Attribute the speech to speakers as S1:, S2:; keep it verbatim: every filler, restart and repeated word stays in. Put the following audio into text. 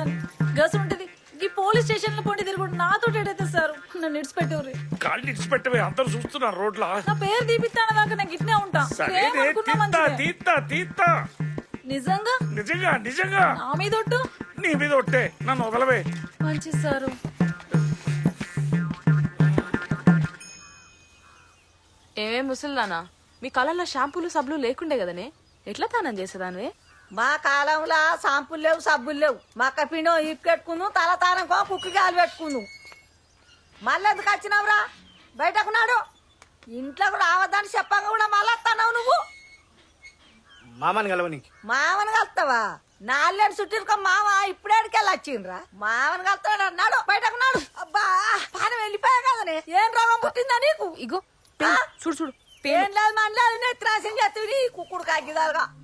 S1: దాన్ని గసు ఉంటది ఈ పోలీస్ స్టేషన్ లో పోటీ తిరుగుడు నాతో ఏడైతే సార్ నన్ను ఇడిచిపెట్టేవారు
S2: కాళ్ళు ఇడిచిపెట్టవే అందరు చూస్తున్నారు రోడ్ల
S1: నా పేరు తీపిస్తాను దాకా నాకు ఇట్నే ఉంటా
S2: సరే
S1: ఏమనుకున్నా
S2: తీత్తా
S1: మంచిదే.
S2: తీత్తా తీత్తా
S1: నిజంగా
S2: నిజంగా నిజంగా
S1: నా మీద ఒట్టు
S2: నీ మీద ఒట్టే నన్ను వదలవే
S1: మంచి సారు
S3: ఏమేం ముసలిదానా మీ కాలంలో షాంపూలు సబ్బులు లేకుండే కదనే ఎట్లా తానం చేసేదానివే
S4: మా కాలంలో షాంపులు లేవు సబ్బులు లేవు మక్క పిండం ఇప్పు పెట్టుకును తల తానంకో కుక్కి గాలి పెట్టుకును మళ్ళీ ఎందుకు వచ్చినావురా బయటకు నాడు ఇంట్లోకి రావద్దని చెప్పంగా కూడా మళ్ళీ వస్తున్నావు నువ్వు
S5: మామని కలవనికి
S4: మామని కలుస్తావా నాలుగేళ్ళు చుట్టిరుకో మామ ఇప్పుడేడికెళ్ళి వచ్చిండ్రా మామని కలుస్తాడు అన్నాడు బయటకు నాడు అబ్బా పానం వెళ్ళిపోయా కదనే ఏం రోగం పుట్టిందా నీకు
S3: ఇగో
S4: ఆ?
S3: చూడు చూడు
S4: ఏం లేదు మన లేదు నెత్తిరాసం చేస్తుంది కుక్కుడు కాకిదాలుగా